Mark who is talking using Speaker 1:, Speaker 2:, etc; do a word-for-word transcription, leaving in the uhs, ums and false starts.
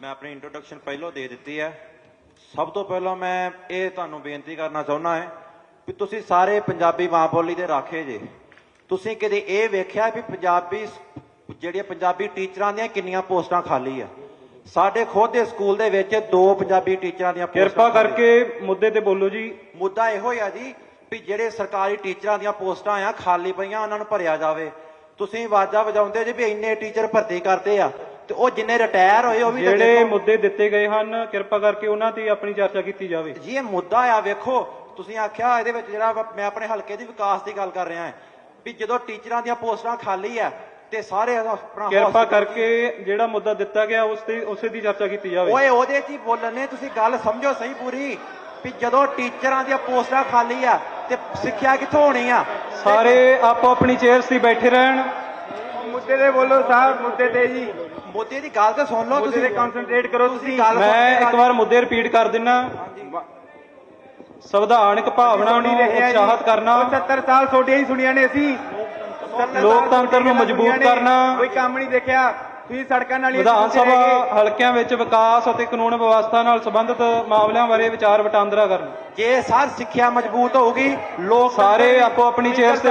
Speaker 1: मैं अपनी इंट्रोडक्शन पहलों दे दी है। सब तो पहलों मैं ये तुहानू बेनती करना चाहुंदा है भी तुसी सारे पंजाबी मां बोली दे राखे जे। तुसी कदे ये वेख्या भी पंजाबी जिहड़ियां पंजाबी टीचरां दियां किन्नियां पोस्टां खाली आ? साडे खुद दे स्कूल दे विच दो पंजाबी टीचरां दियां
Speaker 2: किरपा करके मुद्दे ते बोलो जी।
Speaker 1: मुद्दा इहो आ जी भी जिहड़े सरकारी टीचरां दियां पोस्टां आ खाली पईयां उन्हां नूं भरिया जावे। तुसीं आवाज़ां वजाउंदे जे भी इन्ने टीचर भर्ती करते आ ते ओह जिन्ने रिटायर होए ओह भी
Speaker 2: ਜਿਹੜੇ ਮੁੱਦੇ ਦਿੱਤੇ ਗਏ ਹਨ ਕਿਰਪा ਕਰਕੇ ਉਹਨਾਂ ਤੇ ਆਪਣੀ ਚਰਚਾ ਕੀਤੀ ਜਾਵੇ
Speaker 1: जी। ये मुद्दा आ वेखो तुसीं आख्या ਇਹਦੇ ਵਿੱਚ ਜਿਹੜਾ मैं अपने हल्के ਦੀ विकास ਦੀ ਗੱਲ कर रहा ਹਾਂ भी ਜਦੋਂ ਟੀਚਰਾਂ ਦੀਆਂ ਪੋਸਟਾਂ ਖਾਲੀ ਆ ਤੇ ਸਾਰੇ ਆਪਣਾ
Speaker 2: ਕਿਰਪਾ ਕਰਕੇ ਜਿਹੜਾ ਮੁੱਦਾ ਦਿੱਤਾ ਗਿਆ ਉਸ ਤੇ ਉਸੇ ਦੀ ਚਰਚਾ ਕੀਤੀ ਜਾਵੇ।
Speaker 1: ਓਏ ਉਹਦੇ 'ਚ ਹੀ ਬੋਲਣ ਨੇ ਤੁਸੀਂ ਗੱਲ ਸਮਝੋ ਸਹੀ ਪੂਰੀ ਵੀ ਜਦੋਂ ਟੀਚਰਾਂ ਦੀਆਂ ਪੋਸਟਾਂ ਖਾਲੀ ਆ ਤੇ ਸਿੱਖਿਆ ਕਿੱਥੋਂ ਹੋਣੀ ਆ?
Speaker 2: ਸਾਰੇ ਆਪੋ ਆਪਣੀ ਚੇਅਰਸ ਤੇ ਬੈਠੇ ਰਹਿਣ।
Speaker 3: ਮੁੱਦੇ ਤੇ ਬੋਲੋ ਸਾਹਿਬ, ਮੁੱਦੇ ਤੇ ਜੀ
Speaker 1: ਮੋਦੀ ਦੀ ਗੱਲ ਤਾਂ ਸੁਣ ਲਓ
Speaker 3: ਮੁੱਦੇ
Speaker 1: ਤੁਸੀਂ,
Speaker 3: ਤੇ ਕਨਸੈਂਟਰੇਟ ਕਰੋ ਤੁਸੀਂ।
Speaker 1: ਗੱਲ
Speaker 2: ਮੈਂ ਇੱਕ ਵਾਰ ਮੁੱਦੇ ਰਿਪੀਟ ਕਰ ਦਿੰਨਾ। ਸੰਵਿਧਾਨਕ ਭਾਵਨਾ ਨੂੰ ਉਤਸ਼ਾਹਿਤ ਕਰਨਾ,
Speaker 3: ਸੱਤਰ ਸਾਲ ਤੁਹਾਡੀਆਂ ਹੀ ਸੁਣੀਆਂ ਨੇ ਅਸੀਂ।
Speaker 2: ਲੋਕਤੰਤਰ ਨੂੰ ਮਜ਼ਬੂਤ ਕਰਨਾ,
Speaker 3: ਕੋਈ ਕੰਮ ਨਹੀਂ ਦੇਖਿਆ ਤੁਸੀਂ ਸੜਕਾਂ ਨਾਲ।
Speaker 2: ਵਿਧਾਨ ਸਭਾ ਹਲਕਿਆਂ ਵਿੱਚ ਵਿਕਾਸ ਅਤੇ ਕਾਨੂੰਨ ਵਿਵਸਥਾ ਨਾਲ ਸੰਬੰਧਿਤ ਮਾਮਲਿਆਂ ਬਾਰੇ ਵਿਚਾਰ ਵਟਾਂਦਰਾ ਕਰਨਾ।
Speaker 1: ਜੇ ਸਰ ਸਿੱਖਿਆ ਮਜ਼ਬੂਤ ਹੋਊਗੀ ਲੋਕ
Speaker 2: ਸਾਰੇ ਆਪੋ ਆਪਣੀ ਚੇਅਰਸ